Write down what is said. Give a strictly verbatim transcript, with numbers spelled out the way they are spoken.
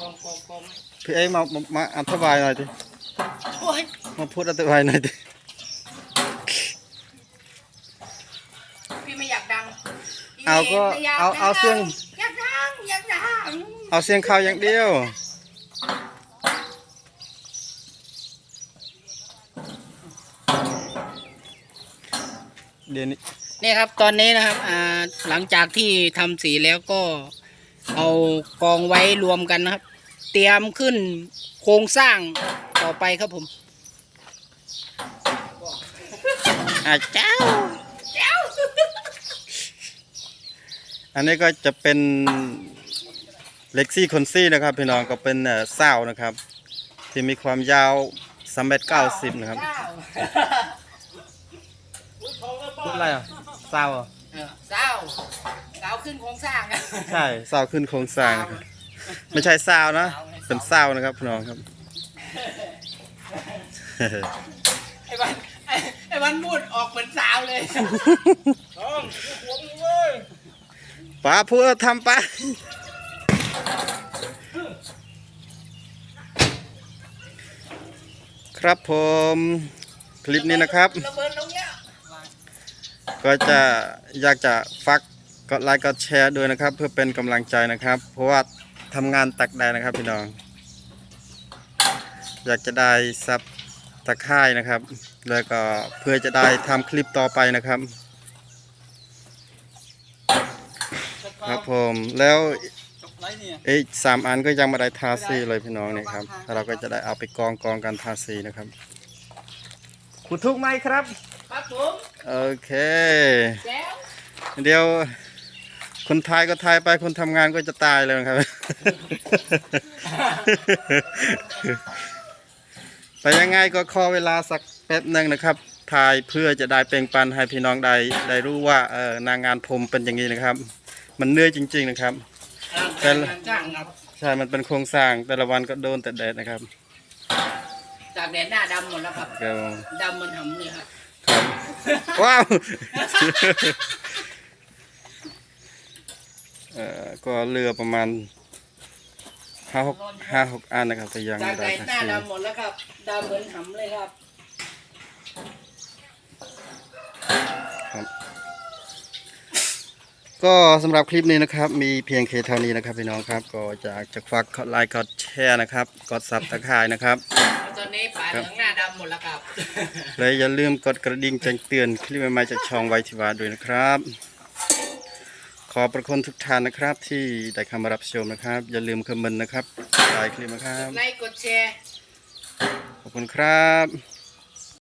องกองกองพี่เอ้มามาอธิบายหน่อยดิมาพูดอธิบายหน่อยดิพี่ไม่อยากดังเอาก็เอาเอาเสียงอยากดังอยากดังเอาเสียงเขาอย่างเดียวเดี๋ยวนี้นี่ครับตอนนี้นะครับอ่าหลังจากที่ทำสีแล้วก็เอากองไว้รวมกันนะครับเตรียมขึ้นโครงสร้างต่อไปครับผมอาเจ้าอันนี้ก็จะเป็นเล็กซี่คอนซี่นะครับพี่น้องก็เป็นเศร้านะครับที่มีความยาวสามเมตรเก้าสิบนะครับพูดอะไรอ่ะเศร้าอ่ะเศร้าเศร้าขึ้นโครงสร้างใช่เศร้าขึ้นโครงสร้างไม่ใช่เศร้านะเป็นเศร้านะครับพี่น้องครับไอ้วันไอ้วันพูดออกเหมือนสาวเลยป้าพูดทำป้าครับผมคลิปนี้นะครับก็จะอยากจะฝากกดไลค์กดแชร์ด้วยนะครับเพื่อเป็นกำลังใจนะครับเพราะว่าทำงานตักแดดนะครับพี่น้องอยากจะได้ซับตะไคร่นะครับแล้วก็เพื่อจะได้ทำคลิปต่อไปนะครับครับผมแล้วอีกสามอันก็ยังไม่ได้ทาสีเลยพี่น้องเนี่ยครับเราก็จะได้เอาไปกองกองกันทาสีนะครับคุณทุกไหมครับครับผมโอเคเดี๋ยวคนไทยก็ทายไปคนทำงานก็จะตายเลยครับแต่ยังไงก็ขอเวลาสักแป๊บหนึ่งนะครับถ่ายเพื่อจะได้เปล่งปลั่นให้พี่น้องได้ได้รู้ว่าเออนางงานผมเป็นอย่างนี้นะครับมันเหนื่อยจริงๆนะครับแต่ใช่มันเป็นโครงสร้างแต่ละวันก็โดนแต่แดดนะครับจากแดดหน้าดำหมดแล้วครับดำมันหำเลยครับว้าวเอ่อก็เรือประมาณห้าหกห้าหกอันนะครับแต่ยังไม่ได้หน้าดำหมดแล้วครับดำเหมือนหำเลยครับก็สำหรับคลิปนี้นะครับมีเพียงแค่เท่านี้นะครับพี่น้องครับก็จะจะฝากกดไลค์กดแชร์นะครับกดซับตะไคร่นะครับตอนนี้ป่าเหลืองหน้าดำหมดแล้วครับเลยอย่าลืมกดกระดิ่งแจ้งเตือนคลิปใหม่ๆจากช่องไวทิวาด้วยนะครับขอประคุณทุกท่านนะครับที่ได้เข้ามารับชมนะครับอย่าลืมคอมเมนต์นะครับไลค์คลิปนะครับไลค์กดแชร์ขอบคุณครับ